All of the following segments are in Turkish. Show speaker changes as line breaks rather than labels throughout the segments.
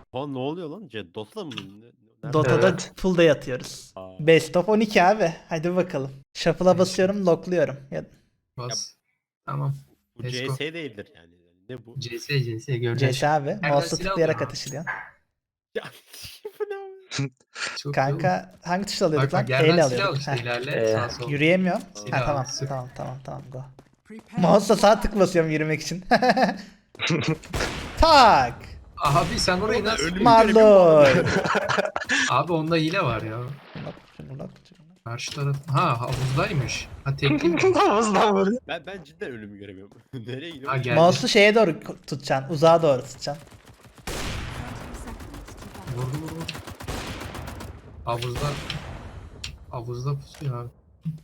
Oha ne oluyor lan? Dota'da mı? Nerede?
Dota'da
Evet.
full day atıyoruz.
Aa.
Best of 12 abi. Hadi bakalım. Shuffle'a
Neyse.
basıyorum, lockluyorum. Ya,
Bas. Tamam.
Bu
Let's go.
CS değildir yani. Ne bu?
CS göreceğiz.
CS abi.
Nereden
Mouse'la
silah
tıklayarak
alıyorum?
atışılıyor.
Ya bu ne abi?
Çok iyi
Kanka hangi tuşla
oğlum.
alıyorduk
Bak
lan?
bak yerden
E ile
silah al
alıyorduk.
işte
Heh.
ilerle sağa sola.
Yürüyemiyorum.
Silah
Ha tamam.
al, sık.
Tamam go. Mouse'la sağ tık basıyorum yürümek için. Tak.
Abi sen orayı
Oğlum,
nasıl...
ölüm-
Marloy.
Abi onda hile var ya.
Şunu lock.
Karşı taraf... Ha havuzdaymış. Ha tekli.
Havuzdan vuruyor.
Ben cidden ölümü göremiyorum. Nereye
Ha
gidiyorum?
geldi.
Mouse'u şeye doğru tutacaksın. Uzağa doğru tutacaksın.
Vurdu. Havuzda... Havuzda pusuyor abi.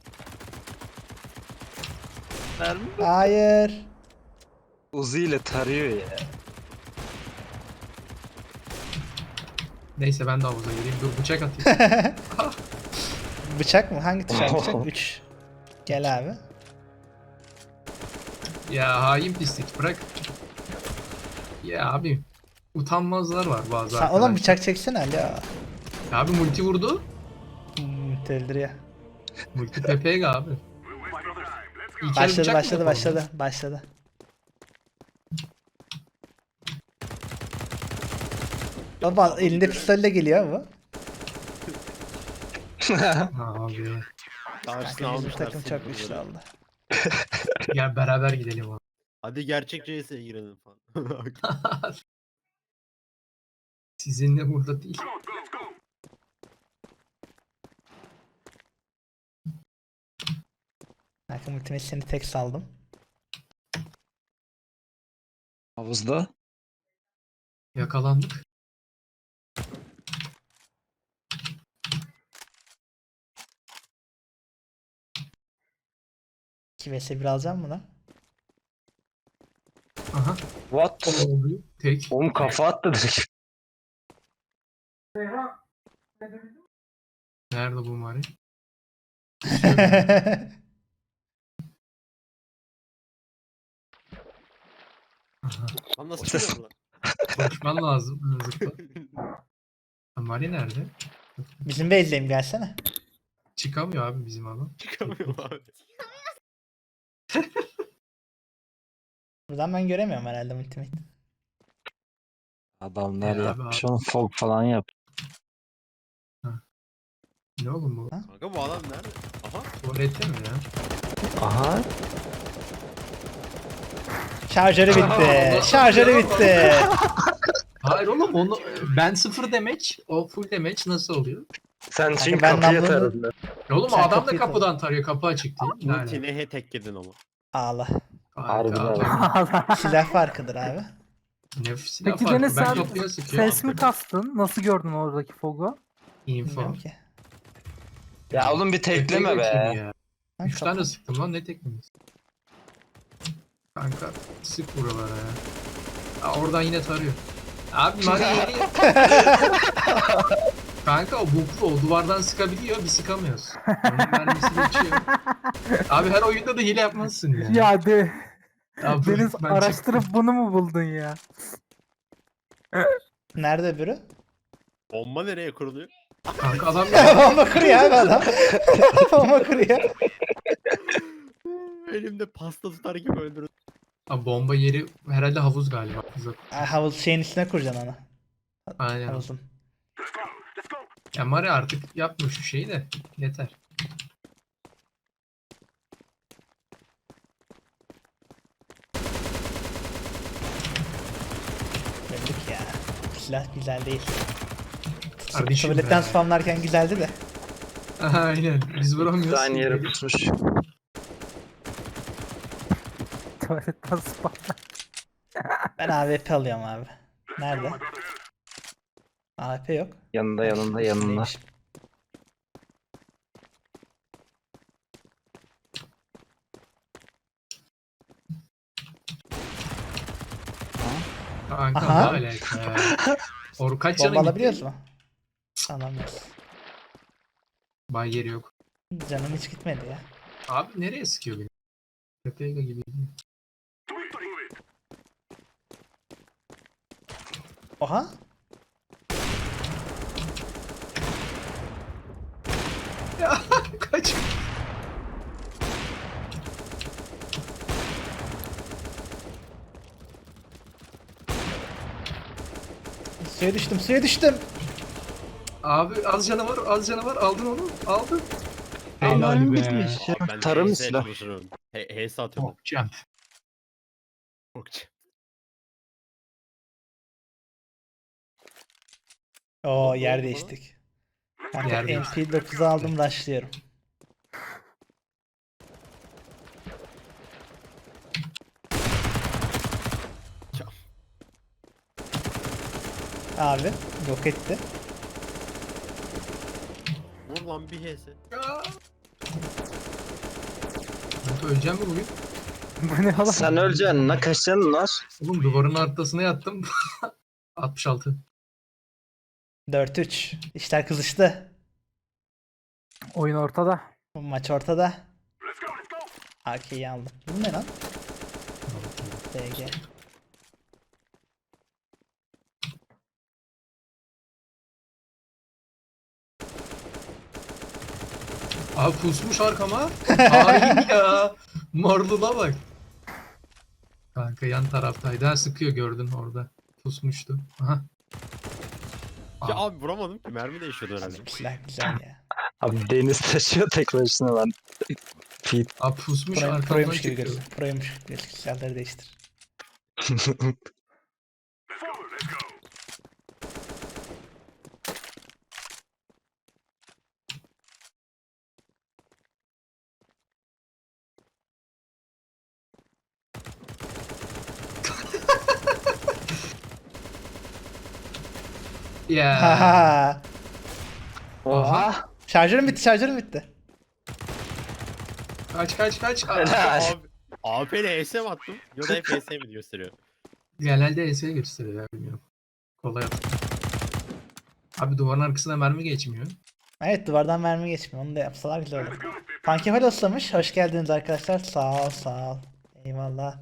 Hayır.
Uzi ile tarıyor ya.
Neyse ben de havuza gireyim. Dur bıçak atayım.
Bıçak mı? Hangi tuş bıçak? 3. Gel abi.
Ya hain pislik bırak. Ya abi. Utanmazlar var bazı
Sen,
arkadaşlar.
oğlum bıçak çeksene alo.
Abi multi vurdu.
Öldürüyor.
Multi PPG abi. İlkel bıçak mı yapalım?
Başladı. Baba elinde pistolle geliyor bu.
Ha abi.
Karşısına
Kanka bizim
almışlar
takım
seni
çok
burada.
güçlü oldu.
Gel beraber gidelim abi.
Hadi gerçek CS'ye girelim falan.
Sizinle burada değil.
Kanka ultimate seni tek saldım.
Havuzda.
Yakalandık.
İki vs 1 alacağım mı lan?
Aha.
What?
Ne oluyor? Tek.
Oğlum kafa attı direkt.
Nerede bu Mari? Aha.
Lan nasıl çıkıyor lan?
Konuşman lazım. Zıpla. Ha, Mari nerede?
Bizim base'deyim gelsene.
Çıkamıyor abi bizim adam.
Çıkamıyorum abi.
Buradan ben göremiyorum herhalde ultimate.
Adamlar
Ya abi,
yapmış onu fog falan yap.
Ne oğlum bu?
Kanka bu adam nerede? Aha.
Tuvalette mi ya?
Aha.
Şarjörü bitti. Şarjörü bitti.
Hayır oğlum onu ben sıfır damage, o full damage nasıl oluyor?
Sen çünkü
ben
kapıyı
namlunu-
taradın.
Oğlum
Sen
adam da
kapıyı
kapıdan tarıyor, kapı açık değil.
Multi nehe tek yedin ama.
Ağla.
Harbiden.
Silah farkıdır abi.
Nefsine
Peki
farkı.
Deniz
Ben
sen
kapıya sıkıyorum.
ses mi kastın? Nasıl gördün oradaki fogu?
Info.
Bilmiyorum ki.
Ya oğlum bir tekleme be.
Ya.
Lan
3
kapı-
tane sıktım lan ne tekmemiz? Kanka sık buralara ya. Aa, oradan yine tarıyor. Abi Mari yeri. Kanka o bu o duvardan sıkabiliyor biz sıkamıyoruz. Onun mermisi geçiyor. Abi her oyunda da hile yapmazsın ya.
Ya de
Ya
Deniz
ben
araştırıp
çıktım.
bunu mu buldun ya?
Nerede öbürü?
Bomba nereye kuruluyor?
Kanka adam
Bomba kuruyor abi adam. Bomba kuruyor.
Elimde pasta tutar gibi öldürdüm.
Abi bomba yeri herhalde havuz galiba. Havuz.
Havuz şeyin üstüne kuracaksın onu.
Aynen.
Havuzun.
Ya Mari artık yapma şu şeyi de yeter.
Öldük ya. Silah güzel değil.
Kardeşim
Tuvaletten
be.
spamlarken güzeldi de.
Aynen. Biz vuramıyoruz.
Aynı yere pusmuş.
Tuvaletten spam.
Ben AWP alıyorum abi. Nerede? AWP yok.
Yanında yanında yanında.
Neymiş?
Kanka
Aha.
ne alaka ya. Kaç
Bomba
canın
alabiliyoruz
gitti?
mu? Alamıyoruz.
Bay yeri yok.
Canım hiç gitmedi ya.
Abi nereye sıkıyor beni? Pepega gibi.
Oha.
Ya kaç.
Suya düştüm, suya düştüm.
Abi az canavar, az canavar. Aldın onu. Aldın.
Aman
Helal be.
bitmiş ya.
Abi ben
Tarım
HS
silah.
çalışırım. HS atıyorum.
Okçam.
Okçu.
Oo
Ne
yer
oldu
değiştik. Kanka
Yer değiştik.
MP9'u aldım, rushlıyorum.
Ya.
Abi yok etti.
Vur lan bir HS.
Kanka öleceğim mi bugün?
Bu ne oğlum?
Sen öleceksin. Ne kaçacaksın lan?
Oğlum duvarın arkasına yattım. 66.
4-3. İşler kızıştı.
Oyun ortada.
Bu maç ortada. AK'yi aldım. Bu ne lan? DG.
Abi pusmuş arkama. Hain ya. Morluna bak. Kanka yan taraftaydı. Ha, sıkıyor gördün orada. Pusmuştu. Aha.
Ya abi vuramadım ki mermi değişiyordu herhalde.
Bizimkiler güzel ya.
Abi deniz taşıyor tek başına lan. Fit.
Abi pusmuş
Pro,
arkamdan
proymuş gibi
çekiyor.
gözüküyor. Proymuş. Silahları değiştir.
Ya.
Haha.
Oha.
Şarjörüm bitti, şarjörüm bitti.
Kaç kaç kaç.
Helal.
Abi AP ile HS mi attım? Ya da hep HS mi gösteriyor?
Genelde ES'ye gösteriyor ya bilmiyorum. Kolay at. Abi duvarın arkasına mermi geçmiyor.
Evet, duvardan mermi geçmiyor. Onu da yapsalar güzel olur. Pankefal oslamış. Hoş geldiniz arkadaşlar. Sağ ol, sağ ol. Eyvallah.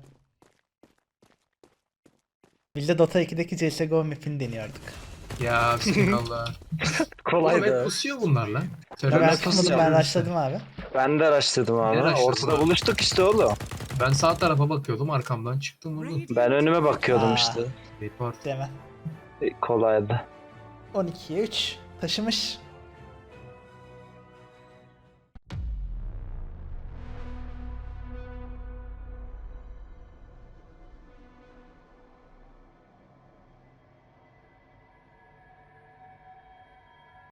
Biz de Dota 2'deki CSGO map'ini deniyorduk.
Ya bismillah. Oğlum hep
Kolaydı.
pusuyor bunlar lan.
Ben
Terörist
açmadım,
pusuyor
ben
işte.
rushladım abi.
Ben de araştırdım abi.
Nereye araştırdın
Ortada
abi?
buluştuk işte oğlum.
Ben sağ tarafa bakıyordum arkamdan çıktım vurdum.
Ben önüme bakıyordum
Aa.
işte.
Report.
Deme.
Kolaydı.
12'ye 3. Taşımış.